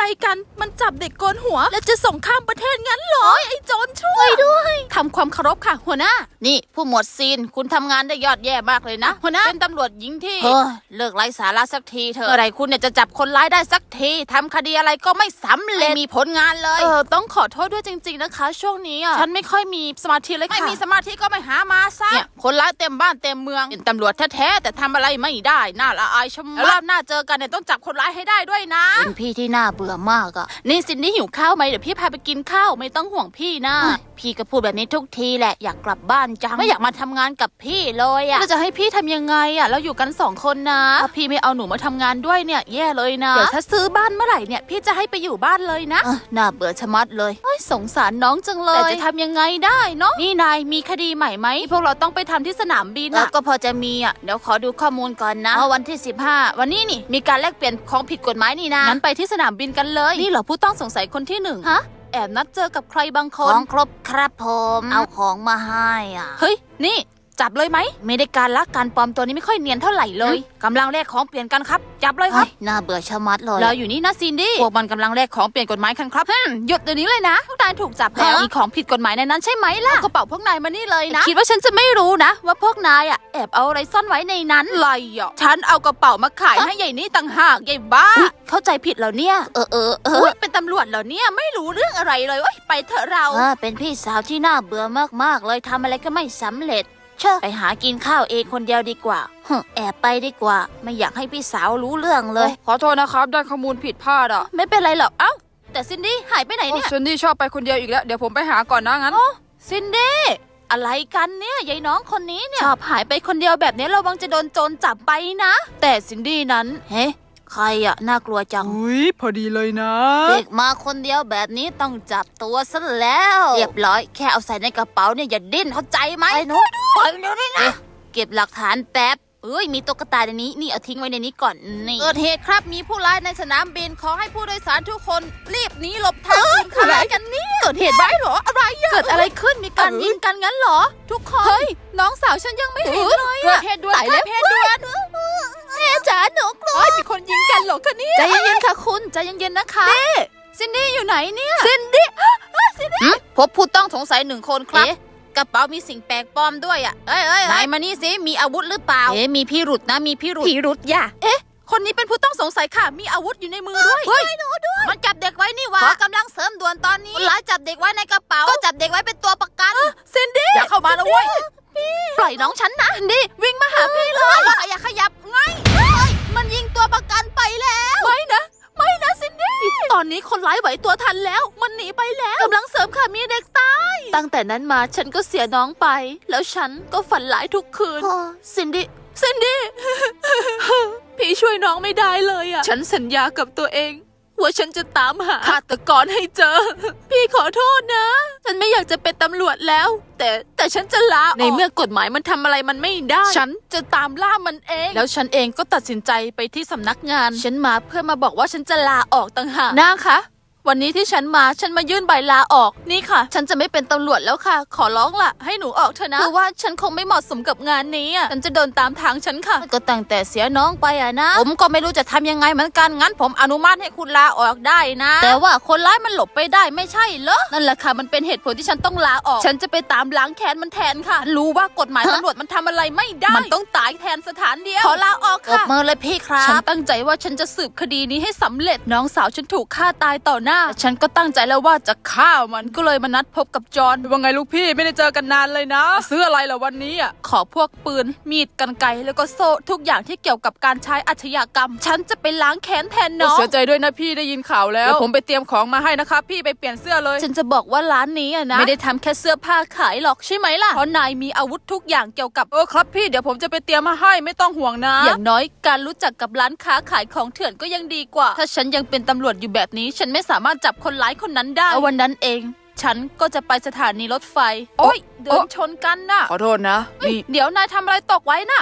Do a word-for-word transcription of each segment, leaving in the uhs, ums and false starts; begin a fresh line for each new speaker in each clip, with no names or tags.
กันมันจับเด็กโกนหัวแล้วจะส่งข้ามประเทศงั้นเหรอไอ้โจรช่วยด้วยทำความเคารพค่ะหัวหน้านี่ผู้หมวดซีนคุณทำงานได้ยอดแย่มากเลยนะหัวหน้าเป็นตำรวจหญิงที่เฮ้ยเลิกไร้สาระสักทีเถอะเมื่อไหร่คุณเนี่ยจะจับคนร้ายได้สักทีทำคดีอะไรก็ไม่สำเร็จไม่มีผลงานเลยเออต้องขอโทษด้วยจริงๆนะคะช่วงนี้อ่ะฉันไม่ค่อยมีสมาธิเลยค่ะไม่มีสมาธิก็ไม่หามาซะเนี่ยคนร้ายเต็มบ้านเต็มเมืองเป็นตำรวจแท้ๆแต่ทำอะไรไม่ได้น่าละอายชะมัดรอบหน้าเจอกันเนี่ยต้องจับคนร้ายให้ได้ด้วยนะเป็นพี่ที่น่าเบื่อมากอ่ะนี่ซินนี่หิวข้าวไหมเดี๋ยวพี่พาไปกินข้าวไม่ต้องห่วงพี่นะพี่ก็พูดแบบนี้ทุกทีแหละอยากกลับบ้านจังไม่อยากมาทำงานกับพี่เลยอ่ะเราจะให้พี่ทำยังไงอ่ะเราอยู่กันสองคนนะถ้าพี่ไม่เอาหนูมาทำงานด้วยเนี่ยแย่เลยนะเดี๋ยวถ้าซื้อบ้านเมื่อไหร่เนี่ยพี่จะให้ไปอยู่บ้านเลยนะน่าเบื่อชะมัดเลยสงสารน้องจังเลยแต่จะทำยังไงได้เนาะนี่นายมีคดีใหม่ไหมพวกเราต้องไปทำที่สนามบินก็พอจะมีอ่ะเดี๋ยวขอดูข้อมูลก่อนนะวันที่สิบห้าวันนี้นี่มีการแลกเปลี่ยนของผิดกฎหมายนี่นะงั้นไปที่สนามบินกันเลยนี่เหรอผู้ต้องสงสัยคนที่หนึ่งฮะแอบนัดเจอกับใครบางคนของครบครับผมเอาของมาให้อ่ะเฮ้ยนี่จับเลยไหมไม่ได้การลักการปลอมตัวนี้ไม่ค่อยเนียนเท่าไหร่เลยกำลังแลกของเปลี่ยนกันครับจับเลยครับน่าเบื่อชะมัดเลยเราอยู่นี่นะซินดี้พวกมันกำลังแลกของเปลี่ยนกฎหมายกันครับหยุดเดี๋ยวนี้เลยนะพวกนายถูกจับแล้วมีของผิดกฎหมายในนั้นใช่ไหมล่ะกระเป๋าพวกนายมานี่เลยนะคิดว่าฉันจะไม่รู้นะว่าพวกนายอ่ะแอบเอาอะไรซ่อนไว้ในนั้นไรอ่ะฉันเอากระเป๋ามาขายให้ใหญ่นี่ต่างหากใหญ่บ้าเข้าใจผิดแล้วเนี่ยเออเออเออเป็นตำรวจเหรอเนี่ยไม่รู้เรื่องอะไรเลยไปเถอะเราเป็นพี่สาวที่น่าเบื่อมากๆเลยทำอะไรก็ไม่สำเร็จเช่ไปหากินข้าวเองคนเดียวดีกว่าแอบไปดีกว่าไม่อยากให้พี่สาวรู้เรื่องเลยขอโทษนะครับได้ข้อมูลผิดพลาดอ่ะไม่เป็นไรหรอกเอ้าแต่ซินดี้หายไปไหนเนี่ยซินดี้ชอบไปคนเดียวอีกแล้วเดี๋ยวผมไปหาก่อนนะงั้นซินดี้อะไรกันเนี่ยยายน้องคนนี้เนี่ยชอบหายไปคนเดียวแบบนี้ระวังจะโดนโจรจับไปนะแต่ซินดี้นั้นเฮ้ใครอะน่ากลัวจัง
อุ้ยพอดีเลยนะ
เด็กมาคนเดียวแบบนี้ต้องจับตัวซะแล้วเรียบร้อยแค่เอาใส่ในกระเป๋าเนี่ยอย่าดิ้นเข้าใจไหมไอ้หนูปล่อยเดี๋ยวนี้นะเก็บหลักฐานแป๊บเอ้ยมีตุ๊กตาในนี้นี่เอาทิ้งไว้ในนี้ก่อนนี่เกิดเหตุครับมีผู้ร้ายในสนามบินขอให้ผู้โดยสารทุกคนรีบหนีหลบทางอื่นอะไรกันเนี่ยเกิดเหตุไว้เหรออะไรเกิดอะไรขึ้นมีการยิงกันงั้นเหรอทุกคนเฮ้ยน้องสาวฉันยังไม่เห็นเลยเกิดเหตุด่วนค่ะเหตุด่วนแม่จ๋าหนูกลัวมีคนยิงกันเหรอคะเนี่ยใจเย็นๆค่ะคุณใจเย็นๆนะคะซินดี้อยู่ไหนเนี่ยซินดี้ซินดี้พบผู้ต้องสงสัยหนึ่งคนครับกระเป๋ามีสิ่งแปลกปลอมด้วยอ่ะเอ้ยเอ้ยไหนมานี่สิมีอาวุธหรือเปล่าเอ๊ะมีพิรุธนะมีพิรุธพิรุธย่ะเอ๊ะคนนี้เป็นผู้ต้องสงสัยค่ะมีอาวุธอยู่ในมือด้วยเฮ้ยมันจับเด็กไว้นี่วะขอกำลังเสริมด่วนตอนนี้คนร้ายจับเด็กไว้ในกระเป๋าก็จับเด็กไว้เป็นตัวประกันซินดี้อย่าเข้ามานะเว้ยปล่อยน้องฉันนะซินดี้วิ่งมาหาพี่เลยอย่าขยับไงมันยิงตัวประกันไปแล้วไม่นะไม่นะซินดี้ตอนนี้คนร้ายไหวตัวทันแล้วมันหนีไปแล้วกำลังเสริมค่ะมีเด็กตายตั้งแต่นั้นมาฉันก็เสียน้องไปแล้วฉันก็ฝันร้ายทุกคืนซินดี้ซินดี้พี่ช่วยน้องไม่ได้เลยอ่ะฉันสัญญากับตัวเองว่าฉันจะตามหาฆาตกรให้เจอพี่ขอโทษนะฉันไม่อยากจะเป็นตำรวจแล้วแต่แต่ฉันจะลาออกในเมื่อกฎหมายมันทำอะไรมันไม่ได้ฉันจะตามล่ามันเองแล้วฉันเองก็ตัดสินใจไปที่สำนักงานฉันมาเพื่อมาบอกว่าฉันจะลาออกต่างหากนะคะวันนี้ที่ฉันมาฉันมายื่นใบลาออกนี่ค่ะฉันจะไม่เป็นตำรวจแล้วค่ะขอร้องล่ะให้หนูออกเถอะนะคือว่าฉันคงไม่เหมาะสมกับงานนี้อ่ะฉันจะเดินตามทางฉันค่ะก็ตั้งแต่เสียน้องไปอ่ะนะผมก็ไม่รู้จะทำยังไงเหมือนกันงั้นผมอนุมัติให้คุณลาออกได้นะแต่ว่าคนร้ายมันหลบไปได้ไม่ใช่เหรอนั่นแหละค่ะมันเป็นเหตุผลที่ฉันต้องลาออกฉันจะไปตามล้างแค้นมันแทนค่ะรู้ว่ากฎหมายตำรวจมันทำอะไรไม่ได้มันต้องตายแทนสถานเดียวขอลาออกค่ะปรบมือเลยพี่ครับฉันตั้งใจว่าฉันจะสืบคดีนี้ให้สำเร็จน้องสาวฉันถูกฆ่าตายต่อหน้าฉันก็ตั้งใจแล้วว่าจะฆ่ามันก็เลยมานัดพบกับจอห์น
ว่าไงลูกพี่ไม่ได้เจอกันนานเลยนะซื้ออะไรล่ะวันนี้อ่ะ
ขอพวกปืนมีดกรรไกรแล้วก็โซ่ทุกอย่างที่เกี่ยวกับการใช้อาชญากรรมฉันจะไปล้างแค้นแทนน้อง
เสียใจด้วยนะพี่ได้ยินข่าวแล้วเดี๋ยวผมไปเตรียมของมาให้นะครับพี่ไปเปลี่ยนเสื้อเลย
ฉันจะบอกว่าร้านนี้อะนะไม่ได้ทำแค่เสื้อผ้าขายหรอกใช่ไหมล่ะเพราะนายมีอาวุธทุกอย่างเกี่ยวกับ
เออครับพี่เดี๋ยวผมจะไปเตรียมมาให้ไม่ต้องห่วงนะ
อย่างน้อยการรู้จักกับร้านค้าขายของเถื่อนก็ยังดีกว่าถ้าฉันยังเป็นตำรวจอยู่แบบนี้ฉันไม่สามารถจับคนร้ายคนนั้นได้วันนั้นเองฉันก็จะไปสถานีรถไฟโอ๊ยเดินชนกันน่ะ
ขอโทษนะ
นี่เดี๋ยวนายทำอะไรตกไว้น่ะ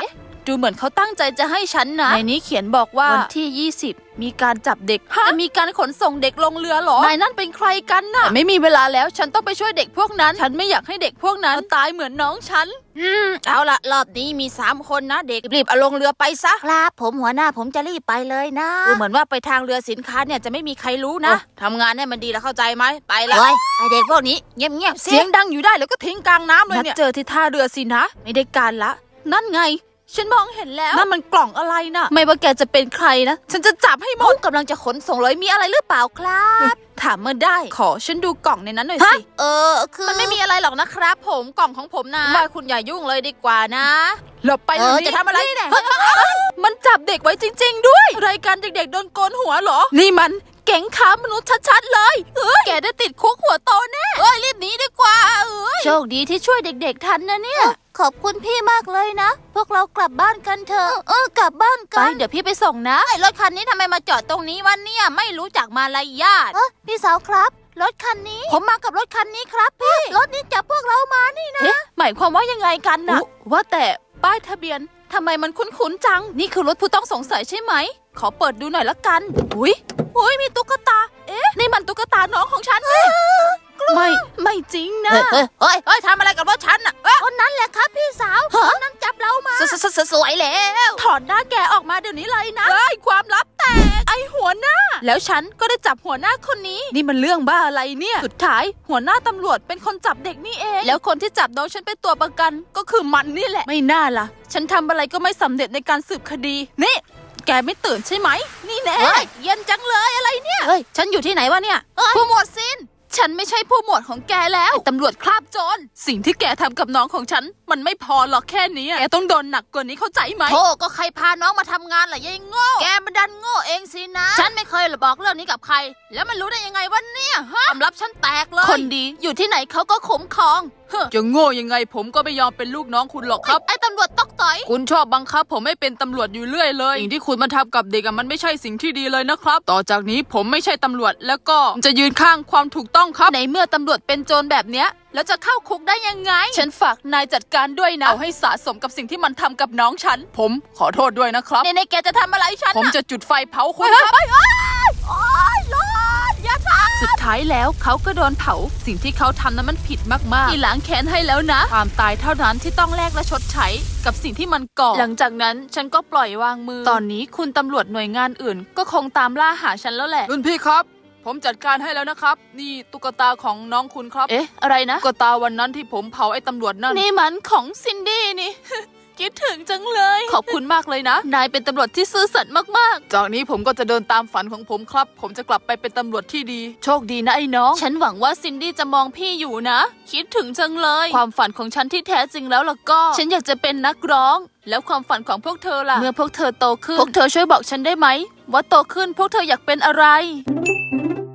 ดูเหมือนเขาตั้งใจจะให้ฉันนะในนี้เขียนบอกว่าวันที่ยี่สิบมีการจับเด็กจะมีการขนส่งเด็กลงเรือเหรอนายนั่นเป็นใครกันน่ะแต่ไม่มีเวลาแล้วฉันต้องไปช่วยเด็กพวกนั้นฉันไม่อยากให้เด็กพวกนั้นตายเหมือนน้องฉันอืมเอาละรอบนี้มีสามคนนะเด็กรีบเอาลงเรือไปซะครับผมหัวหน้าผมจะรีบไปเลยนะดูเหมือนว่าไปทางเรือสินค้าเนี่ยจะไม่มีใครรู้นะทำงานให้มันดีแล้วเข้าใจไหมไปละไอเด็กพวกนี้เงียบๆเสียงดังอยู่ได้แล้วก็ทิ้งกลางน้ำเลยเนี่ยเจอที่ท่าเรือสินะไม่ได้การละนั่นไงฉันมองเห็นแล้วนั่นมันกล่องอะไรน่ะไม่ว่าแกจะเป็นใครนะฉันจะจับให้หมดกำลังจะขนส่งเลยมีอะไรหรือเปล่าครับถามมาได้ขอฉันดูกล่องในนั้นหน่อยสิเออคือมันไม่มีอะไรหรอกนะครับผมกล่องของผมนะว่าคุณอย่ายุ่งเลยดีกว่านะหลบไปเออจะทำอะไรเนี่ยมันจับเด็กไว้จริงๆด้วยรายการเด็กๆโดนโกนหัวเหรอนี่มันแก๊งค้ามนุษย์ชัดๆเลยเอ้ยแกได้ติดคุกหัวโตแน่เอ้ยรีบหนีดีกว่าเอ้ยโชคดีที่ช่วยเด็กๆทันนะเนี่ยขอบคุณพี่มากเลยนะพวกเรากลับบ้านกันเถอะเออกลับบ้านกันไปเดี๋ยวพี่ไปส่งนะไอ้รถคันนี้ทำไมมาจอดตรงนี้วะเนี่ยไม่รู้จักมารยาทเออพี่สาวครับรถคันนี้ผมมากับรถคันนี้ครับพี่รถนี้จับพวกเรามานี่นะหมายความว่ายังไงกันนะว่าแต่ป้ายทะเบียนทำไมมันคุ้นๆจังนี่คือรถผู้ต้องสงสัยใช่ไหมขอเปิดดูหน่อยละกันอุ้ยอุ้ยมีตุ๊กตาเอ๊ะนี่มันตุ๊กตาน้องของฉันไม่ไม่จริงนะเฮ้ยเฮ้ยเฮ้ยทำอะไรกับรถฉันอ่ะคนนั้นแหละครับพี่สาวคนนั้นจับเรามาสวยแล้วถอดหน้าแกออกมาเดี๋ยวนี้เลยนะเฮ้ยความลับแตกไอหัวหน้าแล้วฉันก็ได้จับหัวหน้าคนนี้นี่มันเรื่องบ้าอะไรเนี่ยสุดท้ายหัวหน้าตำรวจเป็นคนจับเด็กนี่เองแล้วคนที่จับน้องฉันเป็นตัวประกันก็คือมันนี่แหละไม่น่าล่ะฉันทำอะไรก็ไม่สำเร็จในการสืบคดีนี่แกไม่ตื่นใช่ไหมนี่แน่เย็นจังเลยอะไรเนี่ยเฮ้ยฉันอยู่ที่ไหนวะเนี่ยผู้หมวดซินฉันไม่ใช่ผู้หมวดของแกแล้วตำรวจคราบโจรสิ่งที่แกทำกับน้องของฉันมันไม่พอหรอกแค่นี้แกต้องโดนหนักกว่านี้เข้าใจไหมโธ่ก็ใครพาน้องมาทำงานล่ะยายโง่แกมันดันโง่เองสินะฉันไม่เคยบอกเรื่องนี้กับใครแล้วมันรู้ได้ยังไงวะเนี่ยฮะความลับฉันแตกเลยคนดีอยู่ที่ไหนเขาก็คุ้มครอง
จะโง่ยังไงผมก็ไม่ยอมเป็นลูกน้องคุณหรอกครับ
ไอ้ตำรวจตอกต่อย
คุณชอบบังคับผมให้เป็นตำรวจอยู่เรื่อยเลยสิ่งที่คุณมาทำกับเด็กอะมันไม่ใช่สิ่งที่ดีเลยนะครับต่อจากนี้ผมไม่ใช่ตำรวจแล้วก็จะยืนข้างความถูกต้องครับ
ในเมื่อตำรวจเป็นโจรแบบเนี้ยแล้วจะเข้าคุกได้ยังไงฉันฝากนายจัดการด้วยนะ
เอาให้สะสมกับสิ่งที่มันทำกับน้องฉันผมขอโทษด้วยนะครับ
ในในแกจะทำอะไรฉัน
ผมจะจุดไฟเผาคุณครับ
โอ๊ยร้อนอย่าทำสุดท้ายแล้วเขาก็โดนเผาสิ่งที่เขาทำนั้นมันผิดมากๆที่ล้างแค้นให้แล้วนะความตายเท่านั้นที่ต้องแลกและชดใช้กับสิ่งที่มันก่อหลังจากนั้นฉันก็ปล่อยวางมือตอนนี้คุณตำรวจหน่วยงานอื่นก็คงตามล่าหาฉันแล้วแหละ
รุ่นพี่ครับผมจัดการให้แล้วนะครับนี่ตุ๊กตาของน้องคุณครับ
เอ๊ะอะไรนะ
ตุ๊กตาวันนั้นที่ผมเผาไอ้ตำรวจนั่น
นี่มันของซินดี้นี่ คิดถึงจังเลยขอบคุณมากเลยนะนายเป็นตำรวจที่ซื่อสัตย์มาก
ๆจากนี้ผมก็จะเดินตามฝันของผมครับผมจะกลับไปเป็นตำรวจที่ดี
โชคดีนะไอ้น้องฉันหวังว่าซินดี้จะมองพี่อยู่นะคิดถึงจังเลยความฝันของฉันที่แท้จริงแล้วล่ะก็ฉันอยากจะเป็นนักร้องแล้วความฝันของพวกเธอล่ะเมื่อพวกเธอโตขึ้นพวกเธอช่วยบอกฉันได้ไหมว่าโตขึ้นพวกเธออยากเป็นอะไร